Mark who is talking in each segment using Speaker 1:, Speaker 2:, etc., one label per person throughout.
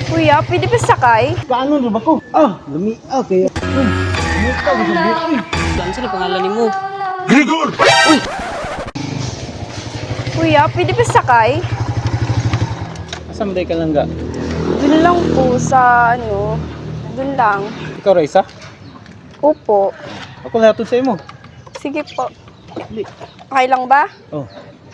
Speaker 1: Kuya, pwede ba sakay?
Speaker 2: Kaano na ba ko? Lumi. Kaya. Musta ko sa buhay.
Speaker 3: Saan sila pangalan ni mo?
Speaker 4: Grigor!
Speaker 1: Kuya, pwede ba sakay?
Speaker 2: Asam day ka lang ga?
Speaker 1: Dun lang po sa dun lang.
Speaker 2: Ikaw Raisa?
Speaker 1: Opo.
Speaker 2: Ako lahat sa imo.
Speaker 1: Sige po. Okay lang ba?
Speaker 2: Oh.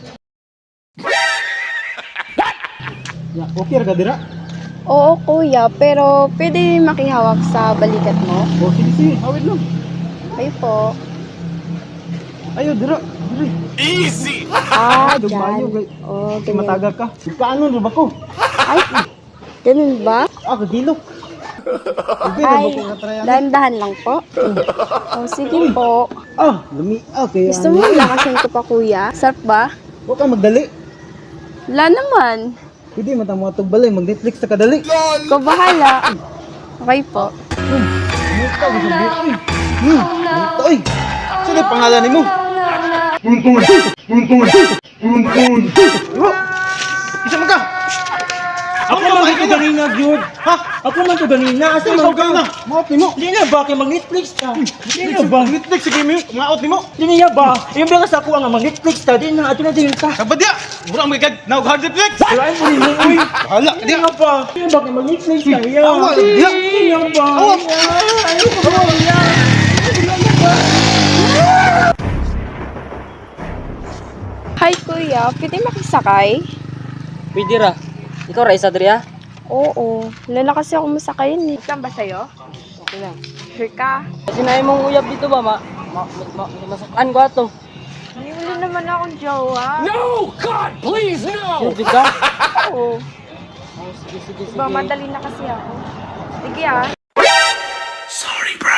Speaker 2: Ya, okay ra ka dira?
Speaker 1: Oo, kuya, pero pwede makihawak sa balikat mo?
Speaker 2: Oh, sige, hawid lang.
Speaker 1: Ay po.
Speaker 2: Ayo dira. Diri.
Speaker 4: Easy!
Speaker 2: Dumayo
Speaker 1: dyan.
Speaker 2: kay.
Speaker 1: Oh,
Speaker 2: Kay
Speaker 1: ganyan.
Speaker 2: mataga ka. Kaano na ba ko?
Speaker 1: Ay, ganun ba?
Speaker 2: Kagilok. Hindi na
Speaker 1: Ay,
Speaker 2: ba ko natrayan?
Speaker 1: dahan-dahan lang po. Oh, sige po.
Speaker 2: Lumi. Kaya.
Speaker 1: Gusto mo lakasan ko pa, kuya? Sarap ba?
Speaker 2: Huwag kang magdali.
Speaker 1: Wala naman.
Speaker 2: Hindi man tamo atog balay, mag-Netflix ta kadali.
Speaker 1: Ikaw bahala. Okay po.
Speaker 2: Musta ko sa buhay. Musta oy. Sino pangalan nimo? Isa man ka.
Speaker 3: Ako man ito ganina, Jud.
Speaker 2: Ha?
Speaker 3: Ako man ito ganina. Asa
Speaker 2: Ikaw
Speaker 3: man
Speaker 2: ka na.
Speaker 3: ka?
Speaker 2: Maot nimo.
Speaker 3: Hindi na ba? Kaya mag-Netflix ta. Hindi na ba?
Speaker 2: Netflix sige mi. Maot nimo.
Speaker 3: Hindi niya ba? Yung bilang sa ako ang mag-Netflix ta. Di na. Ato na din ta.
Speaker 2: Kabadya. Mura mo ikag na hard Netflix.
Speaker 3: Walain mo rin mo. Uy.
Speaker 2: Hala,
Speaker 3: Hindi
Speaker 2: dia.
Speaker 3: na ba? Hindi ba? Kaya mag-Netflix ta. Yeah.
Speaker 2: Awa, dia.
Speaker 3: Hindi na ba?
Speaker 2: Awa.
Speaker 3: Ayaw ko ba?
Speaker 1: Hi, kuya. Pwede makisakay?
Speaker 3: Pwede ra. Ikaw, Raisa, Adria?
Speaker 1: Oo. Lala kasi ako masakayin eh. Saan ba sa'yo?
Speaker 3: Okay lang.
Speaker 1: Sure ka?
Speaker 3: Sinabi mong uyab dito ba? Masukan ko ato.
Speaker 1: Hindi wala naman akong jowa.
Speaker 4: No! God, please, no!
Speaker 3: Sure ka?
Speaker 1: Oo.
Speaker 3: Oh, sige, sige, sige.
Speaker 1: Diba, madali na kasi ako. Sige ah.
Speaker 4: Sorry, bro.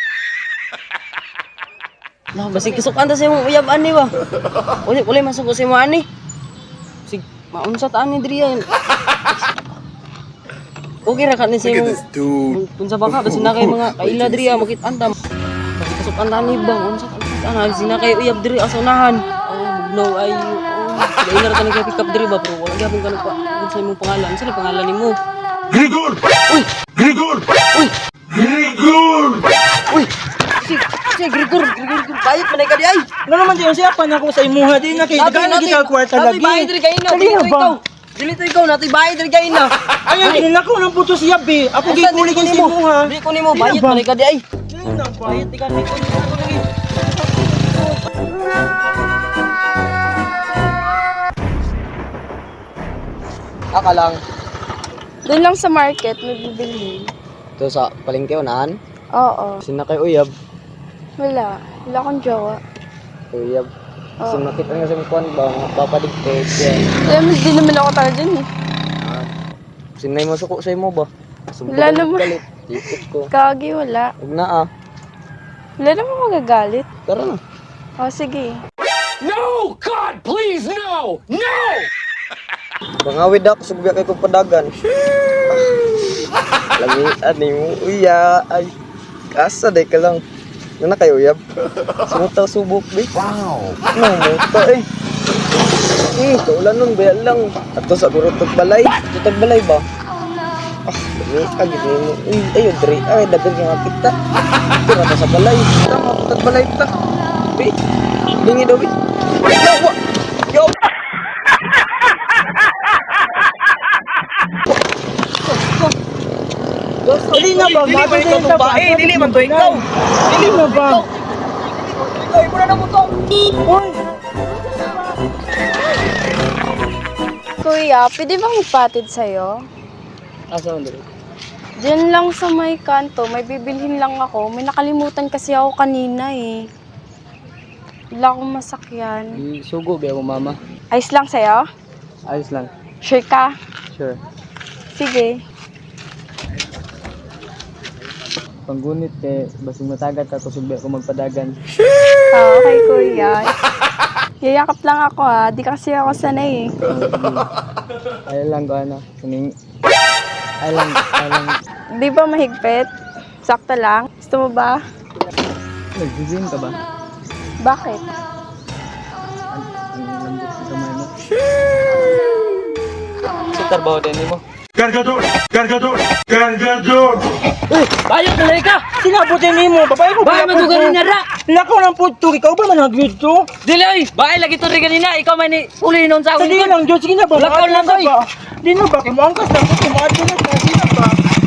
Speaker 3: No, basi kisukan ta sa imong uyab ani ba? Uli masuk ko sa imong ani. Sig maunsa ta ani diri yan. Okay ra ka ni sa
Speaker 4: Look at
Speaker 3: imong
Speaker 4: this dude.
Speaker 3: kung sa baka basi na kay mga kaila diri makit-an ta. Basi kasukan ta ni bang unsa ka ana sina kay uyab diri asunahan. Oh, no ayo. Oh, dili ra ta ni kay pick up diri ba pero wala gyapon kanang kung sa imong pangalan. Sino pangalan nimo?
Speaker 4: Grigor!
Speaker 3: Uy,
Speaker 4: Grigor!
Speaker 3: uy.
Speaker 4: Grigor!
Speaker 3: Uy. Si Grigor, bayad man ka di ay. Ano naman diyan siya pa na ko sa imuha di na kay dagan na kita kwarta lagi. Bayad diri kay na. Dili ikaw. Dili to ikaw natoy bayad diri kay na. Ay dili na ko nang putos siya be. Ako gikulig ni imuha. Di ko nimo bayad man ka di ay. Dili na bayad di ka ni ko lagi. Aka lang.
Speaker 1: Doon lang sa market, may bibili.
Speaker 3: To sa palengke unahan.
Speaker 1: Oo.
Speaker 3: Sina kay uyab.
Speaker 1: Wala. Wala akong jowa.
Speaker 3: Uyab.
Speaker 1: Oo.
Speaker 3: So nakita nga sa kuan ba papadigtog yan.
Speaker 1: Alam mo, di naman ako tayo dyan eh.
Speaker 3: Sinay mo suko sa imo ba?
Speaker 1: Wala naman.
Speaker 3: Galit. Tikot ko.
Speaker 1: Kagi, wala.
Speaker 3: Huwag na ah.
Speaker 1: Wala naman magagalit.
Speaker 3: Tara na.
Speaker 1: O, sige.
Speaker 4: No! God, please, no! No!
Speaker 3: Pangawid ako, sugbiya kay kong padagan. Lamian ni mo, uya. Ay, asa day ka lang. Ano na kayo, uyab? Sumutaw subok, be.
Speaker 4: Wow!
Speaker 3: Ano, muta eh. Kaulan nun, baya lang. At to sa gurutog balay. Gurutog balay ba? Lamian, gini mo. Uy, ayun, dre. Ay, dagan nga kita. Tira ta sa balay. Tama, gurutog balay ta. Be, bingi daw, be. Yawa! Yawa! Dili na ba? Dili man ikaw babae, dili man to ikaw. Dili na ba? Ikaw, imo na mo to. Oy.
Speaker 1: Kuya, pwede bang ipatid sa'yo?
Speaker 3: Asa man dili?
Speaker 1: Diyan lang sa may kanto, may bibilhin lang ako. May nakalimutan kasi ako kanina eh. Wala akong masakyan.
Speaker 3: Sugo ba mo mama?
Speaker 1: Ayos lang sa'yo?
Speaker 3: Ayos lang.
Speaker 1: Sure ka?
Speaker 3: Sure.
Speaker 1: Sige.
Speaker 3: Panggunit kay basing matagat ako sugbi ko magpadagan.
Speaker 1: Okay, kuya. Yayakap lang ako ha. Di kasi ako sanay eh.
Speaker 3: Ay lang ko ano. Kuning ay lang.
Speaker 1: Di ba mahigpit? Sakto lang? Gusto mo ba?
Speaker 3: Nag-gym ka ba?
Speaker 1: Bakit?
Speaker 3: Ang lambot ng kamay mo. Sa trabaho din mo.
Speaker 5: Cargador! Cargador! Cargador!
Speaker 3: Bayot na ka.
Speaker 2: Sinabutin ni mo, babae ko.
Speaker 3: Bahay madugan ni Nara.
Speaker 2: Lako ng puto, ikaw ba managwid to?
Speaker 3: Dili oy, bahay lagi to rin kanina. Ikaw man ni uli nun sa
Speaker 2: Sa
Speaker 3: akong
Speaker 2: di
Speaker 3: likod.
Speaker 2: lang, Diyos, sige na ba?
Speaker 3: Lakaw lang,
Speaker 2: Maadto na
Speaker 3: oy.
Speaker 2: ba? Di na ba? Kaya mo angkas na, maadto na ba? Di na ba?